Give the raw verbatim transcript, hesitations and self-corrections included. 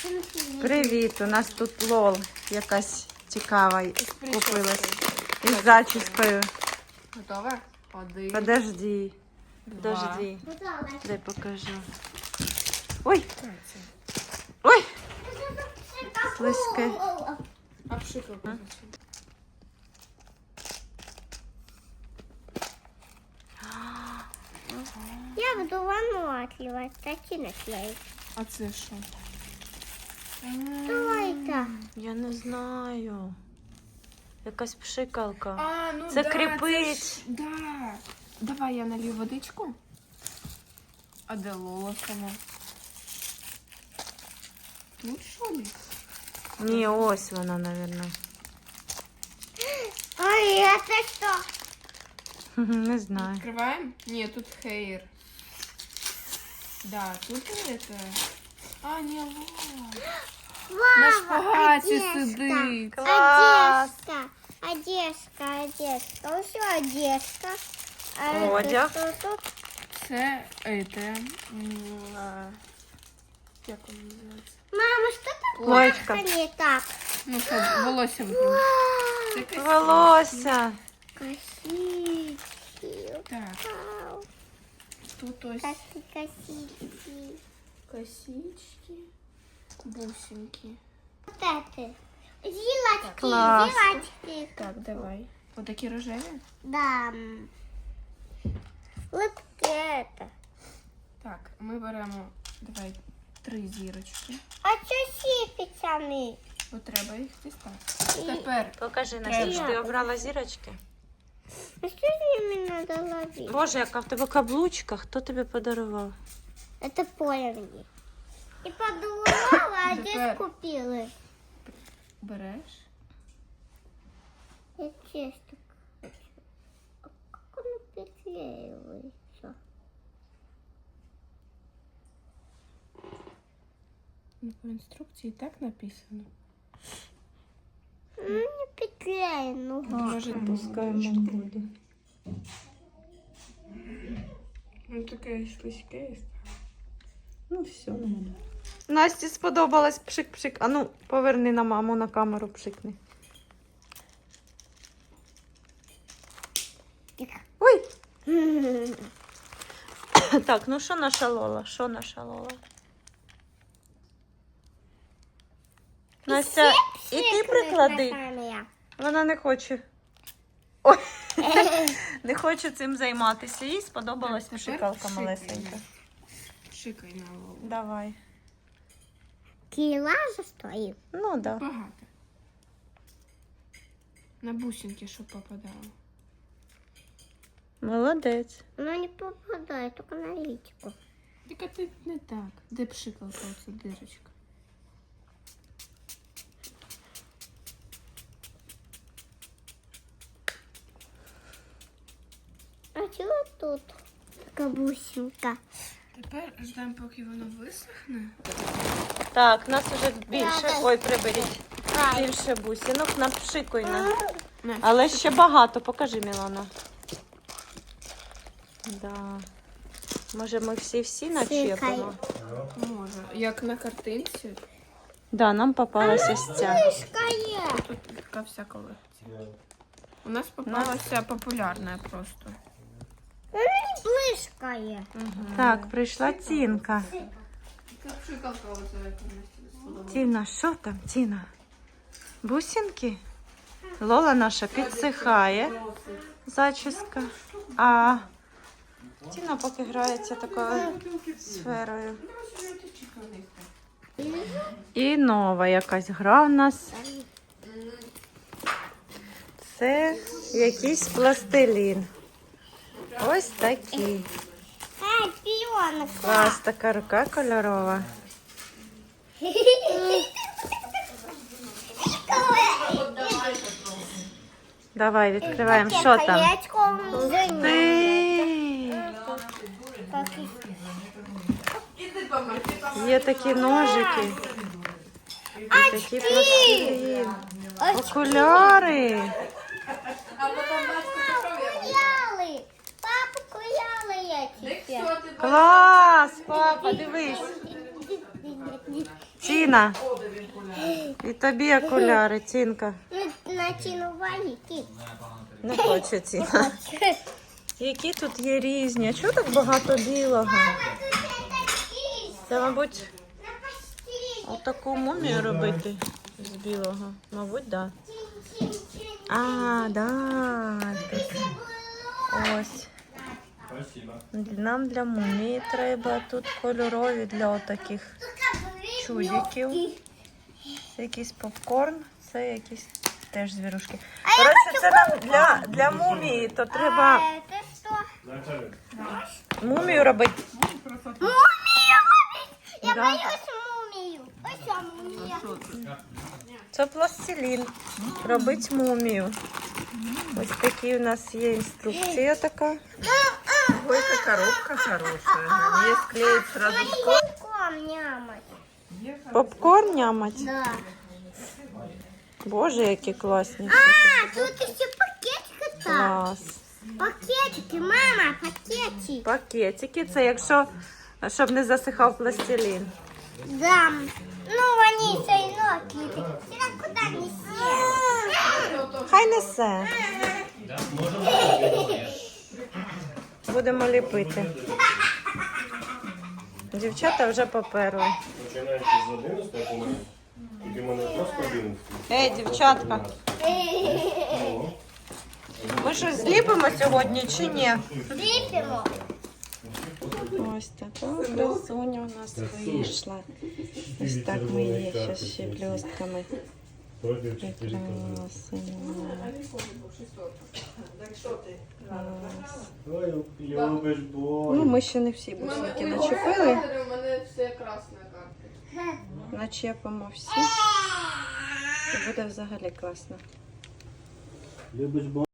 Привіт, у нас тут лол якась цікава купилась. Із зачіскою. Готова? Один. Подожди. Два. Подожди. Дай покажу. Ой! Ой! Слизьке. Обшикал. Я буду вануатлива, такі наклеїть. А це що? Що це? Я не знаю. Якась пшикалка. А, ну Це да, кріпить. це ж- Да. Давай я налью водичку. А де Лола сама? Тут що ли? Ні, ось вона, мабуть. Ой, це що? Не знаю. Открываем? Нет, тут хейр. Да, тут это... А, не Лола. На шпагаті сидить. Клас! Одежка, одежка, одежка. Ось одежка. А Одяг. це що тут? Це это... м, а, Як воно називається? Мама, що тут Плоєчка. не так? Ну, це волосся випрямити. Це косички. Волосся. Косички. Так, Вау. тут ось Такі косички. косички, бусинки. Вот это. Зилочки, Класс. зилочки. Так, давай. Вот такі рожеві? Да. Вот это. Так, ми беремо, давай, три зірочки. А что сипется ми? Бо треба їх дістати. Тепер Покажи, Настя, ти обрала зірочки? А что с ними надо ловить? Боже, яка в тебе каблучка. Хто тобі подарував? Это полевни. И подумала, а где Теперь. купила? береш. Я честно хочу. А как оно приклеивается? Ну, по інструкції так написано. Ну, не приклеено. Може, Пускаємо буде. ну таке слизьке. Ну, все, наверное. Насті сподобалось пшик-пшик. А ну, поверни на маму на камеру, пшикни. Ой! Так, ну що наша Лола? Що наша Лола? Настя, і ти приклади. Вона не хоче. Ой. Не хоче цим займатися. Їй сподобалась Так, пшикалка тепер малесенька. пшикаємо. Шикай на Лолу. Давай. Кила же стоит. Ну, да. Багато. На бусинки, щоб попадало. Молодець. Но не попадает, только на личику. Тільки ти не так. Де пшикалка, оця дирочка? А чего тут? Такая бусинка. Тепер ждемо, поки воно висохне. Так, нас уже більше. Ой, приберіть. Ай. Більше бусинок, напшикуй на. На, Але ще багато. Покажи, Мілана. Да. Може, ми всі-всі начепимо? може. Як на картинці. Да, нам попалася ось ця. Мышкая. Тут така вся колекція. У нас попалася популярна просто. Она не блышкая. Так, прийшла Тінка. Це пшикалка оця, яка мені сподобалася. Тіна, що там, Тіна? Бусинки? Лола наша підсихає. Зачіска. А Тіна поки грається такою сферою. І нова якась гра в нас. Це якийсь пластилін. Ось такий. Ай, пионка. Клас, така рука кольорова. Давай, відкриваємо. Що там? Ти! Є такі ножики. І такі пластилін. Окуляри. Куяли. Папа, куяли я тебе. Клас, папа, дивись. Ці Тіна. І тобі окуляри, Тінка. Начинували кіт. Не хоче Тіна. Які тут є різні? А чого так багато білого? Це, мабуть, отаку мумію робити з білого. Мабуть, так. Да. А, да. Ось. Нам для мумії треба. Тут кольорові для отаких чудиків. Це якийсь попкорн, це якісь теж звірушки. Коротше, це нам для, для мумії, то треба Це що? мумію робити. Мумію робить! Я Да. боюсь мумію. Ось ця мумія. Це пластилін. Робить мумію. Ось такі у нас є інструкція така. Ой, какая коробка хорошая. Ее склеить сразу. Попкорн нямать. Попкорн нямать. Да. Боже, які класні. А, тут еще пакетики там. Клас. Пакетики, мама, пакетики. Пакетики. Це якщо, щоб не засихав пластилін. Да. Ну, вони все одно кипить. Сюда куда несешь? Хай несе. Будемо ліпити. Дівчата вже поперли. Починаючи з одинадцятого по мене, тільки в мене просто одинадцятий. Ей, дівчатка, ми щось зліпимо сьогодні чи ні? Ліпимо. Ось така красуня у нас вийшла. Ось так ми її ще з щеплюстками. Против чотири козли. Красуня. Ой, любиш Ну, бой. ми ще не всі бусинки начепили. У мене все красна карта. Начепимо всі. І буде взагалі класно. Любиш бой.